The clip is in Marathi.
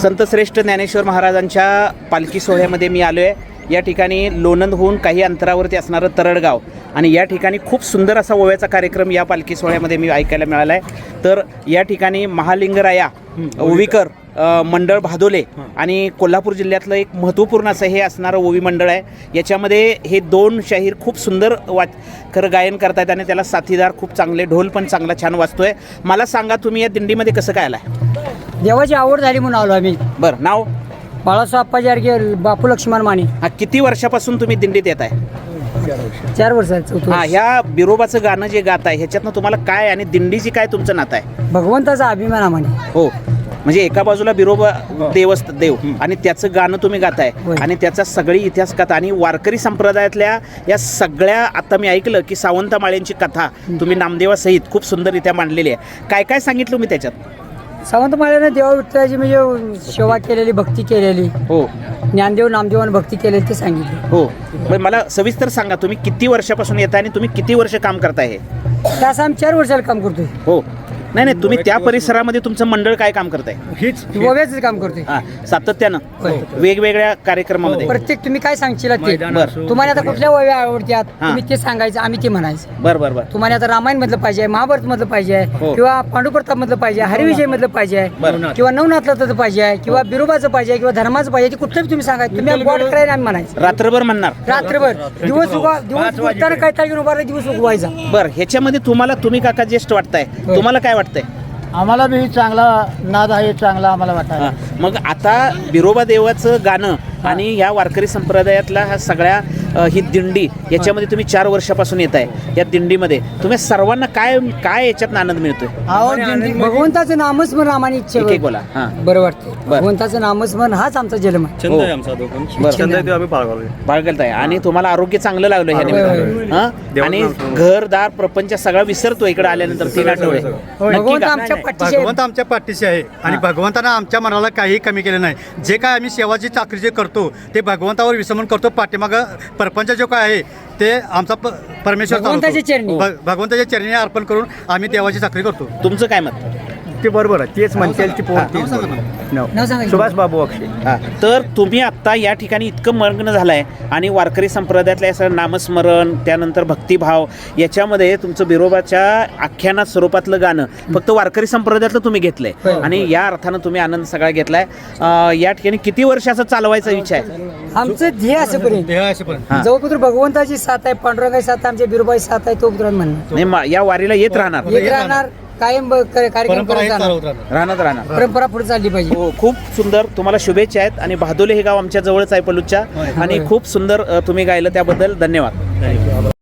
संतश्रेष्ठ ज्ञानेश्वर महाराजांच्या पालखी सोहळ्यामध्ये मी आलो आहे। या ठिकाणी लोणंदहून काही अंतरावरती असणारं तरडगाव आणि या ठिकाणी खूप सुंदर असा ओव्याचा कार्यक्रम या पालखी सोहळ्यामध्ये मी ऐकायला मिळाला आहे। तर या ठिकाणी महालिंगराया ओवीकर मंडळ भादोले आणि कोल्हापूर जिल्ह्यातलं एक महत्त्वपूर्ण असं हे असणारं ओवी मंडळ आहे। याच्यामध्ये हे दोन शाहीर खूप सुंदर खरं गायन करतात आणि त्याला साथीदार खूप चांगले, ढोल पण चांगला छान वाजतोय। मला सांगा तुम्ही या दिंडीमध्ये कसं काय आलाय? देवाची आवड झाली म्हणून आलो आम्ही। बरं, नाव? बाळासाहेब अप्पाजी आडगे, बापू लक्ष्मण माने। हा, किती वर्षापासून तुम्ही दिंडीत येत आहे? 4 वर्षाचं। हा, ह्या बिरोबाचं गाणं जे गात आहे ह्याच्यातनं तुम्हाला काय आणि दिंडीची काय तुमचं नातं आहे? भगवंताचा अभिमान आम्हाला। हो, म्हणजे एका बाजूला बिरोबा देव आणि त्याचं गाणं तुम्ही गाताय आणि त्याचा सगळी इतिहास कथा आणि वारकरी संप्रदायातल्या या सगळ्या, आता मी ऐकलं की सावंत माळ्यांची कथा तुम्ही नामदेवासहित खूप सुंदररित्या मांडलेली आहे। काय काय सांगितलं मी त्याच्यात? सावंत माळ्याने देवा विठ्ठलाची म्हणजे सेवा केलेली, भक्ती केलेली। हो, ज्ञानदेव नामदेवाने भक्ती केलेली ते सांगितले। हो, पण मला सविस्तर सांगा तुम्ही किती वर्षापासून येत आहे आणि तुम्ही किती वर्ष काम करताय? हे त्यास आम्ही 4 वर्षाला काम करतोय। हो, नाही, तुम्ही त्या परिसरामध्ये तुमचं मंडळ काय काम करताय? ओव्याचं काम करतोय। हा, सातत्यानं वेगवेगळ्या कार्यक्रमामध्ये प्रत्येक तुम्ही काय सांगशील ते। बरं. तुम्हाला आता कुठल्या ओव्या आवडतात तुम्ही ते सांगायचं, आम्ही ते म्हणायचं। बरं, तुम्हाला आता रामायण मधलं पाहिजे, महाभारत मधलं पाहिजे, हो. किंवा पांडुप्रताप मधलं पाहिजे, हरिविजय मधलं पाहिजे, किंवा नवनाथचं पाहिजे, किंवा बिरोबाचं पाहिजे, किंवा धर्माचं पाहिजे, ते कुठलं तुम्ही सांगायचं। तुम्ही बॉड करायला आम्ही म्हणायचं। रात्रभर म्हणणार? रात्रभर, दिवस उगवताना काय तारीख उभारला, दिवस उगवायचा। बरं, ह्याच्यामध्ये तुम्ही काका ज्येष्ठ वाटताय, तुम्हाला काय वाटतंय? आम्हाला बी चांगला नाद आहे, चांगला आम्हाला वाटतं। मग आता बिरोबा देवाचं गाणं आणि ह्या वारकरी संप्रदायातला हा सगळ्या ही दिंडी याच्यामध्ये तुम्ही 4 वर्षापासून येत आहे। या दिंडीमध्ये तुम्ही सर्वांना काय काय याच्यात आनंद मिळतोय? भगवंताचं नामस्मरण आम्हाला इच्छा एक एक बोला। हा, बरं वाटतं। भगवंताचं नामस्मरण हाच आमचा जन्म आहे। छंद आहे आमचा दोघांचा, बाळगताय आणि तुम्हाला आरोग्य चांगलं लागलं ह्या निमित्तानं आणि घरदार प्रपंच सगळा विसरतो इकडे आल्यानंतर 3 आठवडे। भगवंत आमच्या पाठीशी आहे। भगवंत आमच्या पाठीशी आहे आणि भगवंतानं आमच्या मनाला काही कमी केलं नाही। जे काय आम्ही सेवाची चाकरी जे करतो ते भगवंतावर विसरून करतो। पाठीमागं परपंच जो काय आहे ते आमचा परमेश्वर भगवंताच्या चरणी, भगवंताच्या चरणी अर्पण करून आम्ही देवाची चाकरी करतो। तुमचं काय मत? ते बरोबर आहे, तेच म्हणतील ती सुभाष बाबू अक्षय। तर तुम्ही आत्ता या ठिकाणी इतकं मग्न झालाय आणि वारकरी संप्रदायातल्या असं नामस्मरण, त्यानंतर भक्तिभाव, याच्यामध्ये तुमचं बिरोबाच्या आख्यानात स्वरूपातलं गाणं फक्त वारकरी संप्रदायातलं तुम्ही घेतलंय आणि या अर्थानं तुम्ही आनंद सगळा घेतलाय। या ठिकाणी किती वर्ष असं चालवायचा विचार आहे? आमचं ध्येय असेपर्यंत जोपर्यंत भगवंताची साथ आहे, पांडुरंगाची साथ आहे, आमच्या बिरोबाची साथ आहे, तोपर्यंत म्हणणं नाही, या वारीला येत राहणार कायम कार्यक्रम राहणार परंपरा पुढे चालली पाहिजे। हो, खूप सुंदर, तुम्हाला शुभेच्छा आहेत। आणि भादोले हे गाव आमच्या जवळच आहे पलूसच्या आणि खूप सुंदर तुम्ही गायलं, त्याबद्दल धन्यवाद।